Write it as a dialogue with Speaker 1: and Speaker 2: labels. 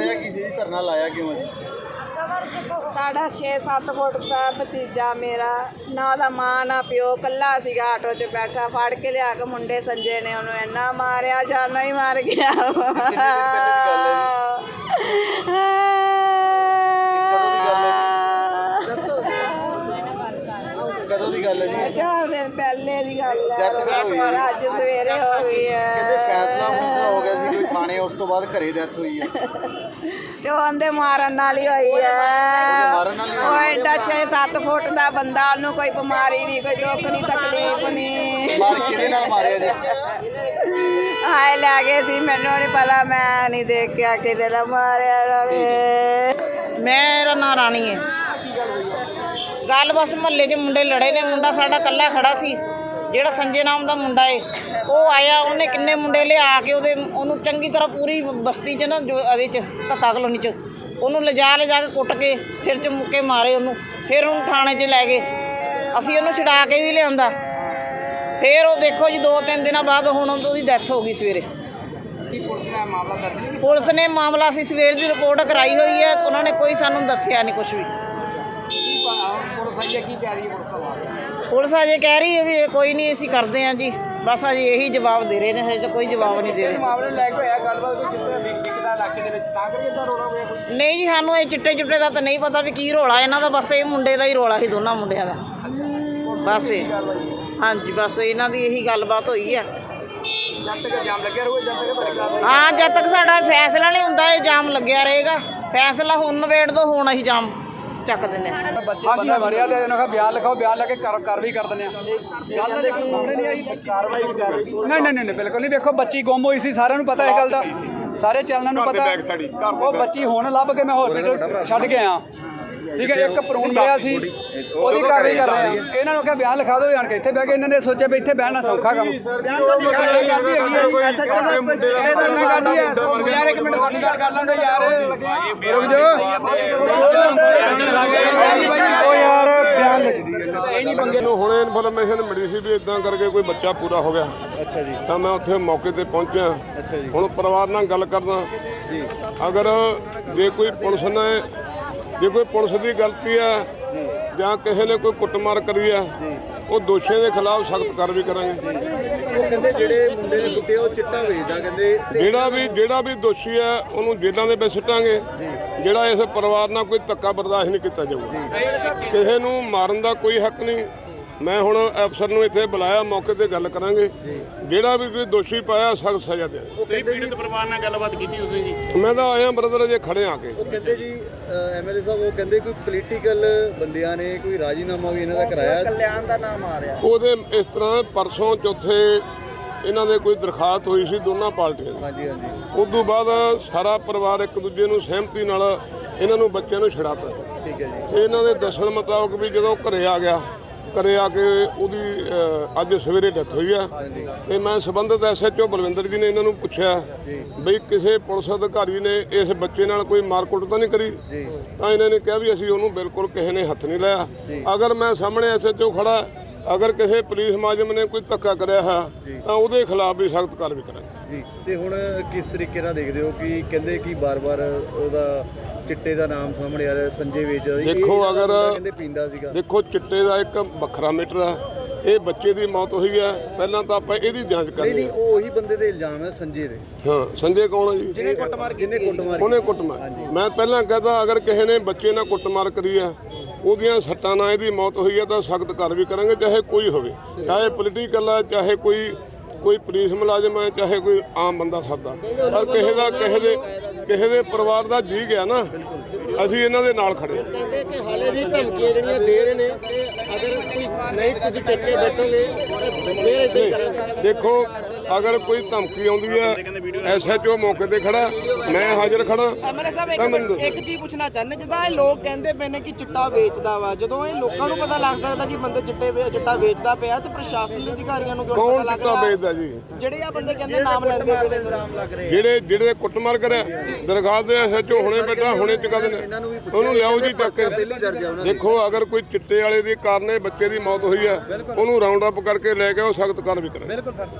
Speaker 1: ਹੋਇਆ ਕੀ ਸੀ? ਧਰਨਾ ਲਾਇਆ ਕਿਉਂ ਹੈ?
Speaker 2: ਸਾਡਾ 6-7 ਫੁੱਟ ਦਾ ਭਤੀਜਾ ਮੇਰਾ, ਨਾ ਉਹਦਾ ਮਾਂ ਨਾ ਪਿਓ, ਕੱਲਾ ਸੀਗਾ ਆਟੋ 'ਚ ਬੈਠਾ। ਫੜ ਕੇ ਲਿਆ ਕੇ ਮੁੰਡੇ ਸੰਜੇ ਨੇ ਉਹਨੂੰ ਇੰਨਾ ਮਾਰਿਆ, ਜਾਨਾਂ ਹੀ ਮਾਰ ਗਿਆ।
Speaker 1: ਕਦੋਂ ਦੀ ਗੱਲ ਹੈ ਜੀ?
Speaker 2: 4 ਦਿਨ ਪਹਿਲੇ ਦੀ ਗੱਲ ਹੈ। ਅੱਜ ਸਵੇਰੇ ਹੋ ਗਈ ਹੈ।
Speaker 1: ਕਹਿੰਦੇ ਫੈਸਲਾ ਹੋ ਗਿਆ ਸੀ ਕੋਈ ਥਾਣੇ, ਉਸ ਤੋਂ ਬਾਅਦ ਘਰੇ ਡੈਥ ਹੋਈ ਹੈ।
Speaker 2: ਤੇ ਉਹਦੇ ਮਾਰਨ ਨਾਲ ਹੀ ਹੋਈ ਹੈ। ਉਹ ਐਡਾ 6-7 ਫੁੱਟ ਦਾ ਬੰਦਾ, ਉਹਨੂੰ ਕੋਈ ਬਿਮਾਰੀ ਨਹੀਂ, ਕੋਈ ਦੁੱਖ ਨਹੀਂ, ਤਕਲੀਫ ਨਹੀਂ।
Speaker 1: ਕਿਹਦੇ ਨਾਲ ਮਾਰਿਆ ਜੀ?
Speaker 2: ਆਏ ਲੈ ਗਏ ਸੀ, ਮੈਨੂੰ ਨਹੀਂ ਪਤਾ, ਮੈਂ ਨਹੀਂ ਦੇਖਿਆ ਕਿਹਦੇ ਨਾਲ ਮਾਰਿਆ ਨਾਲੇ।
Speaker 3: ਮੇਰਾ ਨਾਂ ਰਾਣੀ ਹੈ। ਗੱਲ ਬਸ ਮੁਹੱਲੇ 'ਚ ਮੁੰਡੇ ਲੜੇ ਨੇ। ਮੁੰਡਾ ਸਾਡਾ ਇਕੱਲਾ ਖੜਾ ਸੀ, ਜਿਹੜਾ ਸੰਜੇ ਨਾਮ ਦਾ ਮੁੰਡਾ ਏ। ਉਹ ਆਇਆ, ਉਹਨੇ ਕਿੰਨੇ ਮੁੰਡੇ ਲਿਆ ਕੇ ਉਹਨੂੰ ਚੰਗੀ ਤਰ੍ਹਾਂ ਪੂਰੀ ਬਸਤੀ 'ਚ ਨਾ, ਜੋ ਇਹਦੇ 'ਚ ਧੱਕਾ ਕਲੋਨੀ 'ਚ ਉਹਨੂੰ ਲਿਜਾ ਕੇ ਕੁੱਟ ਕੇ ਸਿਰ 'ਚ ਮੁੱਕੇ ਮਾਰੇ ਉਹਨੂੰ। ਫਿਰ ਉਹਨੂੰ ਥਾਣੇ 'ਚ ਲੈ ਗਏ। ਅਸੀਂ ਉਹਨੂੰ ਛੁਡਾ ਕੇ ਵੀ ਲਿਆਂਦਾ। ਫਿਰ ਉਹ ਦੇਖੋ ਜੀ 2-3 ਦਿਨਾਂ ਬਾਅਦ ਹੁਣ ਉਹਦੀ ਡੈਥ ਹੋ ਗਈ ਸਵੇਰੇ। ਪੁਲਿਸ ਨੇ ਮਾਮਲਾ ਅਸੀਂ ਸਵੇਰ ਦੀ ਰਿਪੋਰਟ ਕਰਾਈ ਹੋਈ ਹੈ। ਉਹਨਾਂ ਨੇ ਕੋਈ ਸਾਨੂੰ ਦੱਸਿਆ ਨਹੀਂ ਕੁਛ ਵੀ। ਪੁਲਿਸ ਅਜੇ ਕਹਿ ਰਹੀ ਹੈ ਵੀ ਕੋਈ ਨਹੀਂ, ਅਸੀਂ ਕਰਦੇ ਹਾਂ ਜੀ, ਬਸ ਅਜੇ ਇਹੀ ਜਵਾਬ ਦੇ ਰਹੇ ਨੇ, ਹਜੇ ਤਾਂ ਕੋਈ ਜਵਾਬ ਨਹੀਂ ਦੇ ਰਹੇ। ਨਹੀਂ ਜੀ, ਸਾਨੂੰ ਇਹ ਚਿੱਟੇ ਚੁੱਟੇ ਦਾ ਤਾਂ ਨਹੀਂ ਪਤਾ ਵੀ ਕੀ ਰੌਲਾ ਇਹਨਾਂ ਦਾ। ਬਸ ਇਹ ਮੁੰਡੇ ਦਾ ਹੀ ਰੌਲਾ ਸੀ, ਦੋਨਾਂ ਮੁੰਡਿਆਂ ਦਾ। ਬਸ ਇਹ ਹਾਂਜੀ, ਬਸ ਇਹਨਾਂ ਦੀ ਇਹੀ ਗੱਲਬਾਤ ਹੋਈ ਆ। ਹਾਂ, ਜਦ ਤੱਕ ਸਾਡਾ ਫੈਸਲਾ ਨਹੀਂ ਹੁੰਦਾ ਇਹ ਜਾਮ ਲੱਗਿਆ ਰਹੇਗਾ। ਫੈਸਲਾ ਹੁਣ ਨਵੇੜ ਦੋ, ਹੁਣ ਅਸੀਂ ਜਾਮ ਚੱਕ ਦਿੰਦੇ ਹਾਂ।
Speaker 4: ਬੱਚੇ ਬੰਦਾ ਮਰਿਆ ਤੇ ਉਹਨਾਂ ਦਾ ਬਿਆਨ ਲਿਖਾਓ, ਬਿਆਨ ਲੈ ਕੇ ਕਾਰਵਾਈ ਕਰ ਦਿੰਦੇ ਆ। ਗੱਲ ਦੇ ਕੋਈ ਸਾਹਮਣੇ ਨਹੀਂ ਆਈ, ਕਾਰਵਾਈ ਵੀ ਕਰ ਰਹੀ। ਨਹੀਂ ਬਿਲਕੁਲ ਨਹੀਂ। ਵੇਖੋ ਬੱਚੀ ਗੁੰਮ ਹੋਈ ਸੀ, ਸਾਰਿਆਂ ਨੂੰ ਪਤਾ ਇਹ ਗੱਲ ਦਾ, ਸਾਰੇ ਚੈਨਲਾਂ ਨੂੰ ਪਤਾ। ਉਹ ਬੱਚੀ ਹੁਣ ਲੱਭ ਕੇ ਮੈਂ ਹਸਪੀਟਲ ਛੱਡ ਕੇ ਆਇਆ, ਠੀਕ ਹੈ। ਇੱਕ ਭਰੂਣ ਮਿਲਿਆ ਸੀ, ਉਹਦੀ ਕਾਰਵਾਈ ਕਰ ਰਹੇ ਆ। ਇਹਨਾਂ ਨੂੰ ਕਿਹਾ ਬਿਆਨ ਲਿਖਾ ਦਿਓ ਜਾਣ ਕੇ। ਇੱਥੇ ਬਹਿ ਕੇ ਇਹਨਾਂ ਨੇ ਸੋਚਿਆ ਵੀ ਇੱਥੇ ਬਹਿਣਾ ਸੌਖਾ ਕੰਮ। ਯਾਰ ਇੱਕ ਮਿੰਟ ਗੱਲ ਕਰ ਲੈਂਦੇ ਯਾਰ, ਰੁਕ ਜਾਓ।
Speaker 1: ਉਹ ਯਾਰ ਬਿਆਨ ਲੱਗਦੀ ਹੈ
Speaker 5: ਨੂੰ ਹੁਣੇ ਇਨਫੋਰਮੇਸ਼ਨ ਮਿਲੀ ਸੀ ਵੀ ਇਦਾਂ ਕਰਕੇ ਕੋਈ ਬੱਚਾ ਪੂਰਾ ਹੋ ਗਿਆ।
Speaker 1: ਅੱਛਾ ਜੀ।
Speaker 5: ਤਾਂ ਮੈਂ ਉੱਥੇ ਮੌਕੇ ਤੇ ਪਹੁੰਚਿਆ।
Speaker 1: ਅੱਛਾ ਜੀ।
Speaker 5: ਹੁਣ ਪਰਿਵਾਰ ਨਾਲ ਗੱਲ ਕਰਦਾ
Speaker 1: ਜੀ।
Speaker 5: ਅਗਰ ਜੇ ਕੋਈ ਪੁਲਿਸ ਦੀ ਗਲਤੀ ਹੈ ਜਾਂ ਕਿਸੇ ਨੇ ਕੋਈ ਕੁੱਟਮਾਰ ਕਰੀ ਹੈ, ਉਹ ਦੋਸ਼ੀਆਂ ਦੇ ਖਿਲਾਫ ਸਖਤ ਕਾਰਵਾਈ ਕਰਾਂਗੇ।
Speaker 1: ਉਹ ਕਹਿੰਦੇ ਜਿਹੜੇ ਮੁੰਡੇ ਨੇ ਕੁੱਟਿਆ ਉਹ ਚਿੱਟਾ ਵੇਚਦਾ, ਕਹਿੰਦੇ
Speaker 5: ਜਿਹੜਾ ਵੀ ਦੋਸ਼ੀ ਹੈ ਉਹਨੂੰ ਜੇਲ੍ਹਾਂ ਦੇ ਵਿੱਚ ਸਿੱਟਾਂਗੇ। ਜਿਹੜਾ ਇਸ ਪਰਿਵਾਰ ਨਾਲ ਕੋਈ ਧੱਕਾ ਬਰਦਾਸ਼ਤ ਨਹੀਂ ਕੀਤਾ ਜਾਊਗਾ। ਕਿਸੇ ਨੂੰ ਮਾਰਨ ਦਾ ਕੋਈ ਹੱਕ ਨਹੀਂ। ਮੈਂ ਹੁਣ ਅਫਸਰ ਨੂੰ ਇੱਥੇ ਬੁਲਾਇਆ, ਮੌਕੇ ਤੇ ਗੱਲ ਕਰਾਂਗੇ। ਜਿਹੜਾ ਵੀ ਕੋਈ ਦੋਸ਼ੀ ਪਾਇਆ ਸਖਤ ਸਜ਼ਾ ਦੇ।
Speaker 6: ਪੀੜਤ ਪਰਿਵਾਰ ਨਾਲ ਗੱਲਬਾਤ ਕੀਤੀ ਤੁਸੀਂ ਜੀ?
Speaker 5: ਮੈਂ ਤਾਂ ਆਇਆ ਬ੍ਰਦਰ ਜੇ ਖੜੇ ਆ ਕੇ।
Speaker 1: ਉਹ ਕਹਿੰਦੇ ਜੀ ਐਮਐਲਏ ਸਾਹਿਬ, ਉਹ ਕਹਿੰਦੇ ਕੋਈ ਪੋਲੀਟੀਕਲ ਬੰਦਿਆਂ ਨੇ ਕੋਈ ਰਾਜੀਨਾਮਾ ਵੀ ਇਹਨਾਂ ਦਾ ਕਰਾਇਆ।
Speaker 2: ਕਲਿਆਣ ਦਾ ਨਾਮ ਆ ਰਿਹਾ।
Speaker 5: ਉਹਦੇ ਇਸ ਤਰ੍ਹਾਂ ਪਰਸੋਂ ਚੌਥੇ ਇਹਨਾਂ ਦੇ ਕੋਈ ਦਰਖਾਸਤ ਹੋਈ ਸੀ ਦੋਨਾਂ ਪਾਰਟੀਆਂ ਦੀ।
Speaker 1: ਹਾਂਜੀ।
Speaker 5: ਉਸ ਤੋਂ ਬਾਅਦ ਸਾਰਾ ਪਰਿਵਾਰ ਇੱਕ ਦੂਜੇ ਨੂੰ ਸਹਿਮਤੀ ਨਾਲ ਇਹਨਾਂ ਨੂੰ ਬੱਚਿਆਂ ਨੂੰ ਛੁਡਾਤਾ।
Speaker 1: ਠੀਕ ਹੈ ਜੀ।
Speaker 5: ਤੇ ਇਹਨਾਂ ਦੇ ਦੱਸਣ ਮੁਤਾਬਕ ਵੀ ਜਦੋਂ ਘਰੇ ਆ ਕੇ ਉਹਦੀ ਅੱਜ ਸਵੇਰੇ ਡੈਥ ਹੋਈ ਆ। ਤੇ ਮੈਂ ਸੰਬੰਧਿਤ ਐਸਐਚਓ ਬਲਵਿੰਦਰ ਜੀ ਨੇ ਇਹਨਾਂ ਨੂੰ ਪੁੱਛਿਆ ਬਈ ਕਿਸੇ ਪੁਲਿਸ ਅਧਿਕਾਰੀ ਨੇ ਇਸ ਬੱਚੇ ਨਾਲ ਕੋਈ ਮਾਰਕੁੱਟ ਤਾਂ ਨਹੀਂ ਕਰੀ? ਤਾਂ ਇਹਨਾਂ ਨੇ ਕਿਹਾ ਵੀ ਅਸੀਂ ਉਹਨੂੰ ਬਿਲਕੁਲ ਕਿਸੇ ਨੇ ਹੱਥ ਨਹੀਂ ਲਾਇਆ। ਅਗਰ ਮੈਂ ਸਾਹਮਣੇ ਐਸਐਚਓ ਖੜਾ, ਅਗਰ ਕਿਸੇ ਪੁਲਿਸ ਮੁਲਾਜ਼ਮ ਨੇ ਕੋਈ ਧੱਕਾ ਕਰਿਆ ਹੈ ਤਾਂ ਉਹਦੇ ਖਿਲਾਫ ਵੀ ਸਖਤ ਕਾਰਵਾਈ ਕਰਾਂਗੇ
Speaker 1: ਜੀ। ਤੇ ਹੁਣ ਕਿਸ ਤਰੀਕੇ ਨਾਲ ਦੇਖਦੇ ਹੋ ਕਿ ਕਹਿੰਦੇ ਕਿ ਬਾਰ-ਬਾਰ ਉਹਦਾ ਚਿੱਟੇ ਦਾ ਨਾਮ ਸਾਹਮਣੇ ਆ ਰਿਹਾ, ਸੰਜੇ ਵੇਚਦਾ?
Speaker 5: ਦੇਖੋ ਅਗਰ
Speaker 1: ਕਹਿੰਦੇ ਪੀਂਦਾ ਸੀਗਾ।
Speaker 5: ਦੇਖੋ ਚਿੱਟੇ ਦਾ ਇੱਕ ਵੱਖਰਾ ਮੀਟਰ ਆ। ਇਹ ਬੱਚੇ ਦੀ ਮੌਤ ਹੋਈ ਹੈ, ਪਹਿਲਾਂ ਤਾਂ ਆਪਾਂ ਇਹਦੀ ਜਾਂਚ ਕਰਨੀ।
Speaker 1: ਨਹੀਂ, ਉਹ ਉਹੀ ਬੰਦੇ ਦੇ ਇਲਜ਼ਾਮ ਹੈ, ਸੰਜੇ ਦੇ।
Speaker 5: ਹਾਂ, ਸੰਜੇ ਕੌਣ ਹੈ ਜੀ?
Speaker 1: ਜਿਹਨੇ ਕੁੱਟਮਾਰ
Speaker 5: ਉਹਨੇ ਕੁੱਟਮਾਰ। ਮੈਂ ਪਹਿਲਾਂ ਕਹਦਾ ਅਗਰ ਕਿਸੇ ਨੇ ਬੱਚੇ ਨਾਲ ਕੁੱਟਮਾਰ ਕਰੀ ਆ, ਉਹਦੀਆਂ ਸੱਟਾਂ ਨਾਲ ਇਹਦੀ ਮੌਤ ਹੋਈ ਹੈ ਤਾਂ ਸਖਤ ਕਾਰਵਾਈ ਕਰਾਂਗੇ, ਚਾਹੇ ਕੋਈ ਹੋਵੇ, ਚਾਹੇ ਪੋਲੀਟੀਕਲ ਆ, ਚਾਹੇ ਕੋਈ ਪੁਲਿਸ ਮੁਲਾਜ਼ਮ ਹੈ, ਚਾਹੇ ਕੋਈ ਆਮ ਬੰਦਾ ਸਾਦਾ। ਪਰ ਕਿਸੇ ਦੇ ਪਰਿਵਾਰ ਦਾ ਜੀ ਗਿਆ ਨਾ, ਅਸੀਂ ਇਹਨਾਂ ਦੇ ਨਾਲ ਖੜੇ।
Speaker 7: ਕਹਿੰਦੇ ਕਿ ਹਾਲੇ ਵੀ ਧਮਕੀਆਂ ਜਿਹੜੀਆਂ ਦੇ ਰਹੇ ਨੇ ਕਿ ਅਗਰ ਕੋਈ ਨਹੀਂ ਤੁਸੀਂ ਟਿੱਕੇ ਬੈਠੋਗੇ ਫੇਰ ਇਦਾਂ ਹੀ ਕਰਾਂਗੇ।
Speaker 5: ਦੇਖੋ ਅਗਰ ਕੋਈ ਧਮਕੀ ਆਉਂਦੀ ਹੈ, ਐਸਐਚਓ ਮੌਕੇ ਤੇ ਖੜਾ, ਮੈਂ ਹਾਜ਼ਰ ਖੜਾ।
Speaker 3: ਐਮਐਲਏ ਸਾਹਿਬ ਇੱਕ ਚੀਜ਼ ਪੁੱਛਣਾ ਚਾਹੁੰਦੇ, ਜਿੱਦਾਂ ਇਹ ਲੋਕ ਕਹਿੰਦੇ ਪਏ ਨੇ ਕਿ ਚਿੱਟਾ ਵੇਚਦਾ ਵਾ, ਜਦੋਂ ਇਹ ਲੋਕਾਂ ਨੂੰ ਪਤਾ ਲੱਗ ਸਕਦਾ ਕਿ ਬੰਦੇ ਚਿੱਟਾ ਵੇਚਦਾ ਪਿਆ, ਤੇ ਪ੍ਰਸ਼ਾਸਨ ਦੇ ਅਧਿਕਾਰੀਆਂ ਨੂੰ ਕਿਉਂ ਪਤਾ ਲੱਗ ਰਿਹਾ?
Speaker 5: ਵੇਚਦਾ ਜੀ?
Speaker 3: ਜਿਹੜੇ ਆ ਬੰਦੇ ਕਹਿੰਦੇ ਨਾਮ ਲੈਂਦੇ ਪਏ ਨੇ,
Speaker 5: ਜਿਹੜੇ ਕੁੱਟਮਾਰ ਕਰਿਆ, ਦਰਗਾਹ ਦੇ ਐਸਐਚਓ ਹੁਣੇ ਬੈਠਾ, ਹੁਣੇ ਚੁਕਾ ਦੇਣਾ ਉਹਨੂੰ, ਲਿਆਓ ਜੀ ਚੱਕ ਕੇ। ਦੇਖੋ ਅਗਰ ਕੋਈ ਚਿੱਟੇ ਵਾਲੇ ਦੇ ਕਾਰਨ ਬੱਚੇ ਦੀ ਮੌਤ ਹੋਈ ਹੈ, ਉਹਨੂੰ ਰਾਉਂਡ ਅਪ ਕਰਕੇ ਲੈ ਕੇ ਉਹ ਸਖਤ ਕਾਰਵਾਈ ਕਰੇ।